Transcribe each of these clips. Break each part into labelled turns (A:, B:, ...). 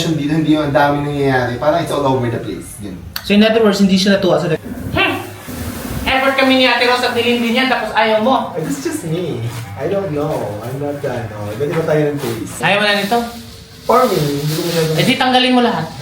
A: dito, hindi yung ang dami nangyayari. Parang it's all over the place. Yun.
B: So in other words, hindi siya natuwa sa effort kami ni Ate Rose at nilindi niya, tapos ayaw mo.
A: It's just me. I don't know. I'm not that, no. Dali ba tayo ng taste?
B: Ayaw mo na nito?
A: For me, hindi ko masyadong...
B: Eh di tanggalin mo lahat.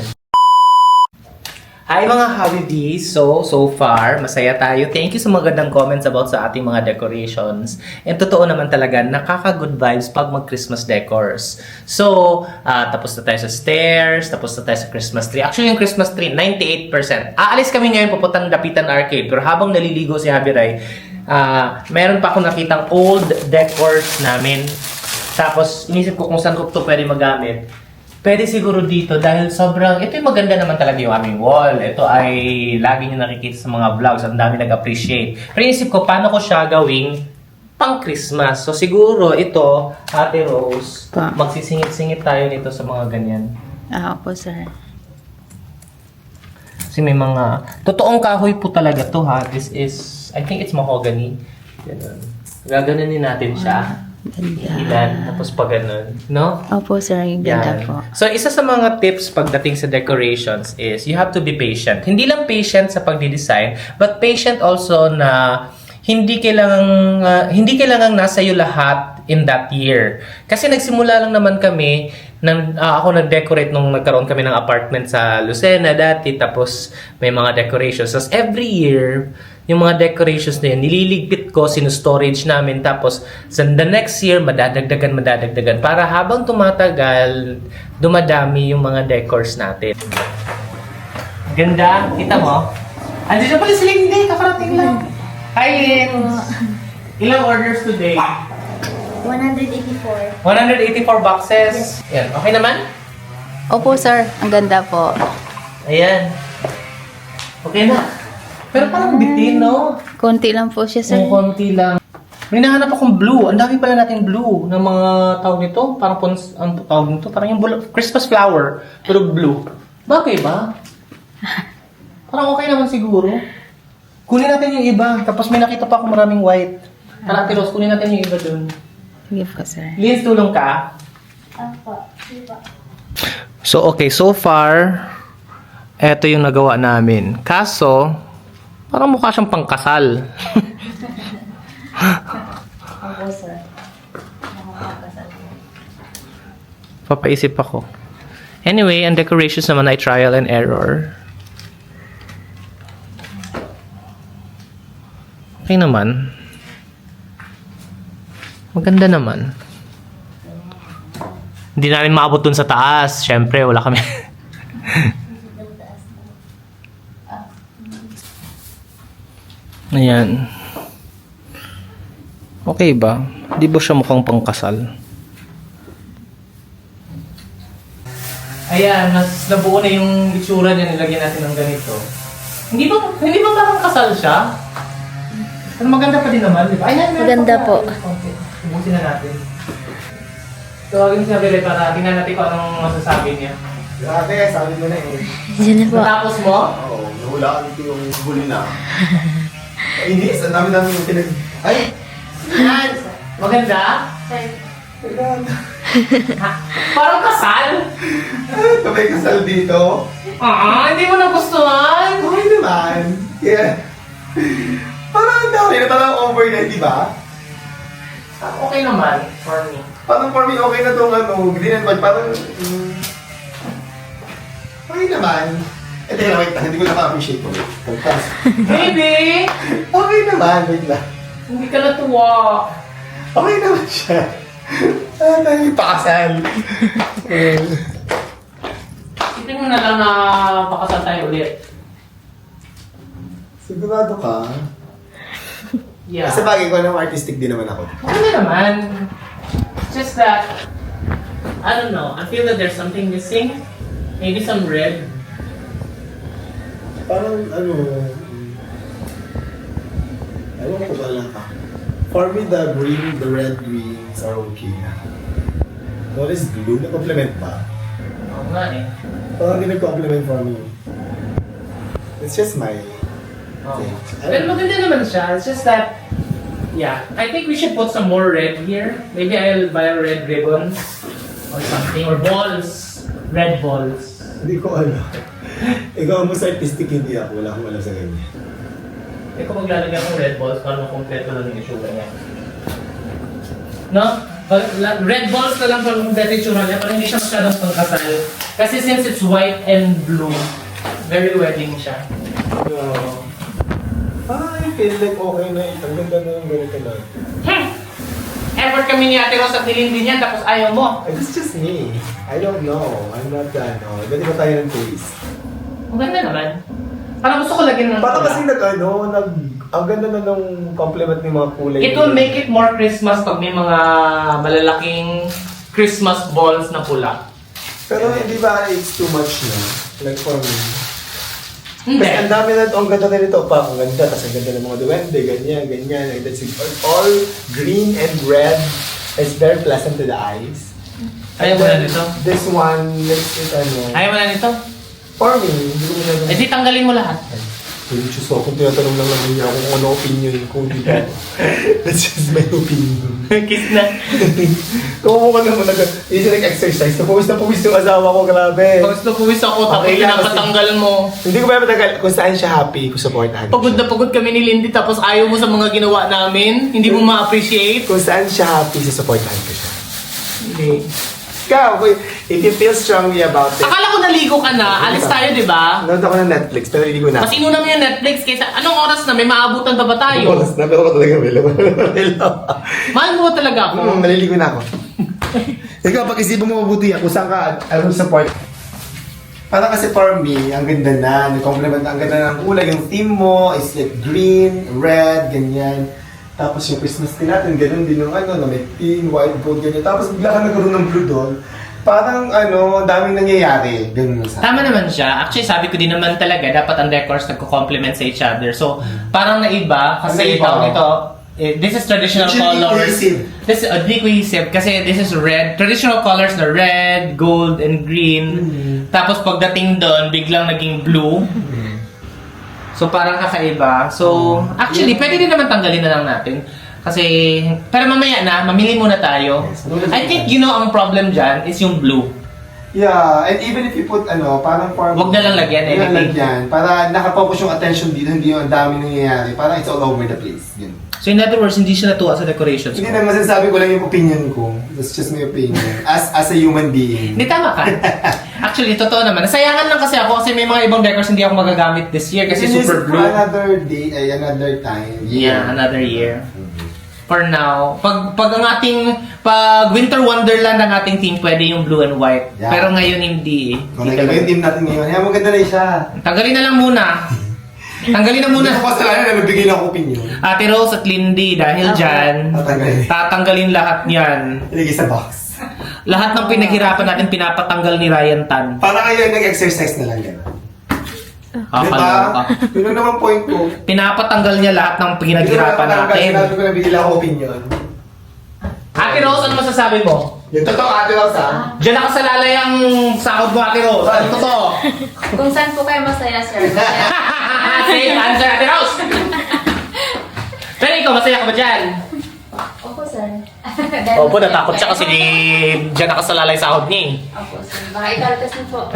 B: Hi mga Habibis! So far, masaya tayo. Thank you sa magandang comments about sa ating mga decorations. And totoo naman talaga, nakaka-good vibes pag mag-Christmas decors. So, tapos na tayo sa stairs, tapos na tayo sa Christmas tree. Actually, yung Christmas tree, 98%. Aalis kami ngayon pupuntang Dapitan Arcade. Pero habang naliligo si Javi Ray, meron pa akong nakitang old decors namin. Tapos, inisip ko kung saan ko ito pwede magamit. Pwede siguro dito dahil sobrang, ito yung maganda naman talaga yung aming wall. Ito ay lagi nyo nakikita sa mga vlogs. Ang dami nag-appreciate. Pero inisip ko, paano ko siya gawing pang Christmas? So siguro ito, Ate Rose, magsisingit-singit tayo nito sa mga ganyan.
C: Opo, sir.
B: Kasi may mga, totoong kahoy po talaga to ha. This is, I think it's mahogany. Ganun. Gaganunin natin siya.
C: Ganda.
B: Ilan, tapos pag ganun. No?
C: Opo, sir. Yung ganda po.
B: So, isa sa mga tips pagdating sa decorations is you have to be patient. Hindi lang patient sa pagdi-design, but patient also na hindi kailangang nasa iyo lahat in that year. Kasi nagsimula lang naman kami, ako nag-decorate nung nagkaroon kami ng apartment sa Lucena dati, tapos may mga decorations. So, every year, yung mga decorations na yun, nililigpit ko, sinustorage namin, tapos sa the next year, madadagdagan, para habang tumatagal, dumadami yung mga decors natin. Ganda, kita mo? Andiyan na pala si Lindy, kakarating lang. Hi, Lynn! Ilang orders today?
C: 184.
B: 184 boxes. Yan, okay naman?
C: Opo, sir. Ang ganda po.
B: Ayan. Okay na. Pero parang bitin, no?
C: Konti lang po siya, sir.
B: Kung konti lang. May nahanap akong blue. Ang dami pala natin blue ng mga tawag nito. Parang ang tawag nito. Parang yung Christmas flower. Pero blue. Bagay ba? Parang okay naman siguro. Kunin natin yung iba. Tapos may nakita pa akong maraming white. Tara, Ate Rose, kunin natin yung iba dun.
C: Sige po, sir.
B: Liz, tulong ka?
C: Opo.
B: So, okay. So far, eto yung nagawa namin. Kaso, parang mukha siyang pangkasal.
C: Opo, sir.
B: Papaisip ako. Anyway, ang decorations naman ay trial and error. Okay naman. Maganda naman. Hindi namin maabot dun sa taas. Siyempre, wala kami. Ayan. Okay ba? Di ba siya mukhang pangkasal? Ayan, mas nabuo na yung itsura niya, nilagyan natin ng ganito. Hindi ba parang kasal siya? Pero maganda pa din naman, di ba? Ayan,
C: Maganda po.
B: Okay. Ubusin na natin. Tawagin siya, Bele, para tingnan natin kung anong masasabi niya.
A: Grabe, sabi mo na eh.
C: Diyan na po.
B: Natapos mo?
A: Oo, nahulaan ko yung huli na. Inis, ang dami-dami yung pinag... Ay!
B: Yan! Maganda?
A: Maganda.
B: Parang kasal?
A: May kasal dito.
B: Hindi mo nagustuhan?
A: Okay naman. Yeah. Parang ang dami na parang overnight, di ba?
B: Okay naman, for me.
A: Parang for me, okay na itong green and white. Parang... okay naman. Eh, teka lang, wait lang. Hindi ko na-appreciate ko. Pagkas.
B: Baby!
A: Okay naman, wait lang.
B: Hindi ka natuwa.
A: Okay naman siya. Tayo yung pakasal.
B: Isipin mo na lang na pakasal tayo ulit.
A: Sigurado ka?
B: Yeah.
A: Kasi bagay ko ng artistic din naman ako.
B: Okay naman. It's just that, I don't know, I feel that there's something missing. Maybe some red.
A: Parang ewan ko ba lang ka. For me, the red greens are okay na. What is blue? Na-compliment ba?
B: Oo nga eh.
A: Parang hindi nag-compliment for me. It's just my thing.
B: Pero maganda naman siya. It's just that, yeah, I think we should put some more red here. Maybe I'll buy red ribbons or something, or balls. red balls.
A: Hindi ko alam. Ikaw ang mas artistic, hindi ako. Wala akong alam sa ganyan.
B: Eh kung maglalagay akong red balls, para makompleto lang yung itsura niya. No? Red balls na lang para makompleto yung itsura niya, para hindi siya masyadong pangkasal. Kasi since it's white and blue, very wedding siya.
A: I feel like okay na. Ang ganda na yung ganito lang.
B: Effort kami ni Ate Rose at nilindi niyan, tapos ayaw mo.
A: It's just me. I don't know. I'm not that, no. Ganito ba tayo ng taste?
B: Ang ganda naman. Parang gusto ko lagyan ng
A: Baka
B: pula.
A: kasi ang ganda na nung compliment ng mga kulay.
B: It will make it more Christmas pag may mga malalaking Christmas balls na pula.
A: Pero hindi ba it's too much na? Like for me.
B: Hindi.
A: Kasi ang dami na ito, ang ganda na nito pa, ang ganda, tapos ang ganda ng mga duwende, ganyan, ganyan. And that's it. All green and red. It's very pleasant to the eyes.
B: Ayaw mo na nito?
A: This one, let's it ano.
B: Ayaw mo na nito?
A: For me, hindi ko na
B: Eh di tanggalin mo lahat.
A: Hindi Diyos ko, kung tinatanong lang naman niya ako kung ano opinion ko, di ba? That's just my opinion.
B: Kiss na.
A: Kung ka naman hindi siya nag-exercise, na puwis yung asawa ko, grabe.
B: Pagos na puwis ako, tapos
A: Okay lang
B: pinapatanggal mo.
A: Hindi ko ba matagal kung saan siya happy, kung supportahan
B: Pagod na pagod kami ni Lindy, tapos ayaw mo sa mga ginawa namin. Hindi mo ma-appreciate.
A: Kung saan siya happy, sa supportahan ko siya.
B: Hindi.
A: Ikaw, if you feel strongly about it.
B: Akala ko naligo ka na. Alis tayo, di ba?
A: Nanood ako ng Netflix, pero hindi ko na.
B: Mas inuna mo yung Netflix kaysa anong oras na? May maabutan pa ba tayo?
A: Oras na, pero ko talaga Melo.
B: Mahal mo ba talaga ako?
A: Maliligo na ako. Ikaw, pag-isipan mo mabuti kung saan ka, I will support. Para kasi for me, ang ganda na, nag-compliment, ang ganda ng kulay, yung theme mo is like green, red, ganyan. Tapos yung Christmas tree natin, ganun din yung ano, na may pink, white, gold, ganyan. Tapos bigla ka nagkaroon ng blue doon. Parang ano, daming nangyayari. Ganun sa
B: Tama naman siya. Actually, sabi ko din naman talaga, dapat ang decors nagko-complement sa each other. So, parang naiba, kasi
A: Naiba.
B: tawag ito, this is traditional
A: Actually,
B: colors.
A: cohesive.
B: This is di cohesive kasi this is red. Traditional colors na red, gold, and green. Tapos pagdating doon, biglang naging blue. So parang kakaiba. So actually, pwede din naman tanggalin na lang natin. Kasi, pero mamaya na, mamili muna tayo.
A: Yes.
B: I think ang problem dyan is yung blue.
A: Yeah, and even if you put ano, parang for
B: Wag na lang lagyan,
A: Wag na
B: anything.
A: lagyan. Para nakafocus yung attention dito, hindi yung ang dami nangyayari. Parang it's all over the place. Ganun.
B: So in other words, hindi siya natuwa sa decorations
A: Hindi
B: ko.
A: na, masasabi ko lang yung opinion ko. That's just my opinion. As a human being.
B: Hindi, tama ka. Actually, totoo naman. Nasayangan lang kasi ako kasi may mga ibang decors hindi ako magagamit this year kasi
A: This is
B: super blue.
A: Another day, ay another time.
B: Yeah, another year. For now, pag winter wonderland ang ating team, pwede yung blue and white.
A: Yeah.
B: Pero ngayon hindi eh.
A: Kung nagkaba yung team natin ngayon, yan maganda na siya.
B: Tanggalin na lang muna. Tanggalin na muna.
A: Hindi ko kasalanan na nabigay lang ako opinion.
B: Ate Rose at Lindy, dahil dyan,
A: Tatanggalin.
B: tatanggalin lahat yan.
A: Ilagay sa box.
B: Lahat ng pinaghirapan natin, pinapatanggal ni Ryan Tan.
A: Para kayo nag-exercise na lang gano'n.
B: Kakaloka.
A: Yun ang naman point ko.
B: Pinapatanggal niya lahat ng pinaghirapan natin.
A: Sinabi ko na bigay lang ako opinion.
B: Ate Rose, ano masasabi mo?
A: Yung totoo, Ate Rose, ha?
B: Diyan nakasalalay ang sahod mo, Ate Rose. Ano totoo?
C: Kung saan po kayo masaya, sir?
B: Safe answer, Ate Rose! Pero ikaw, masaya ka ba dyan?
C: Opo, sir.
B: Opo, natakot siya kasi diyan nakasalalay sahod niya eh.
C: Opo, sir. Baka ikaltas niyo po.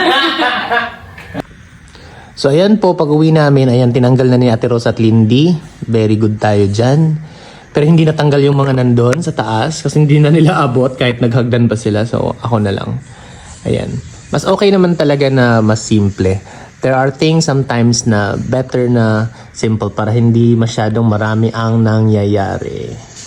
B: So ayan po, pag uwi namin, ayan, tinanggal na ni Ate Rose at Lindy. Very good tayo dyan. Pero hindi natanggal yung mga nandun sa taas kasi hindi na nila abot kahit naghagdan pa sila. So ako na lang. Ayan. Mas okay naman talaga na mas simple. There are things sometimes na better na simple para hindi masyadong marami ang nangyayari.